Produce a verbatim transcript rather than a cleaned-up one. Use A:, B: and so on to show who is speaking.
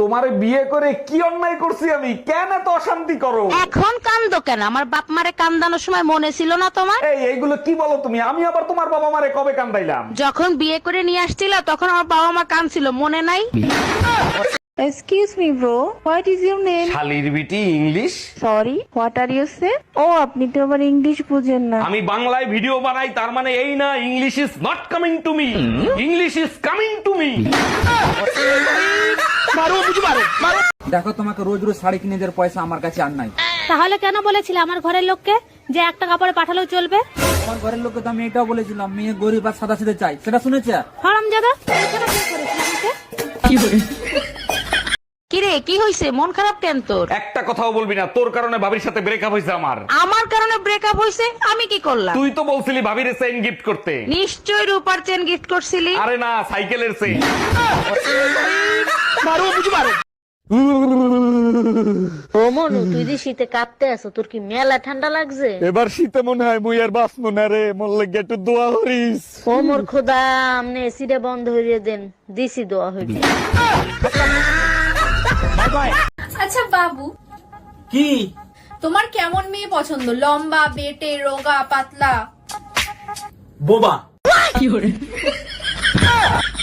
A: তোমারে বিয়ে করে কি অন্যায় করছি আমি? কেন এত অশান্তি করো?
B: এখন কান্দো কেন? আমার বাপ মারে কান্দানোর সময় মনে ছিল না তোমার?
A: এই এইগুলো কি বলো তুমি? আমি আবার তোমার বাবা মারে কবে কান্দাইলাম?
B: যখন বিয়ে করে নিয়ে আসছিল তখন আমার বাবা মা কাঁদছিল, মনে নাই?
C: Excuse me, bro. What is your name?
A: শালির বিটি English.
C: Sorry, what are you saying? ও আপনি তো আবার ইংলিশ বুঝেন না।
A: আমি বাংলায় ভিডিও বানাই, তার মানে এই না English is not coming to me, English is coming to me. মারো বুঝি মারো মারো।
D: দেখো তোমাকে রোজ রোজ শাড়ি কিনে দেওয়ার পয়সা আমার কাছে আর নাই।
E: তাহলে কেন বলেছিলে আমার ঘরের লোককে যে একটা কাপড়ে পাঠালেও চলবে?
D: আমার ঘরের লোককে তো আমি এটাও বলেছিলাম মেয়ে গরিব আর সাদা সিধে চাই, সেটা শুনেছে?
E: হারামজাদা।
B: কিরে কি হইছে? মন খারাপ কেন তোর?
A: একটা কথাও বলবি না, তোর কারণে ভাবির সাথে ব্রেকআপ হয়েছে আমার।
B: আমার কারণে ব্রেকআপ হইছে? আমি কি করলাম?
A: তুই তো বলছিলি ভাবির চেইন গিফট করতে।
B: নিশ্চয় রূপার চেন গিফট করছিলি।
A: আরে না, সাইকেলের চেইন।
B: মারো বুঝি মারো। ও মনু, তুই যে শীতে কাঁপতে আছো, তোর কি মেলা ঠান্ডা লাগছে?
A: এবার শীতে মনে হয় মুই আর বাঁচবো না রে, মোর একটু দোয়া করিস।
B: ও মোর খোদা, আমনে এসিটা বন্ধ হইয়ে দেন, দিছি দোয়া হইবে।
F: আচ্ছা বাবু,
D: কি
F: তোমার কেমন মেয়ে পছন্দ? লম্বা, বেটে, রোগা, পাতলা?
D: বোবা?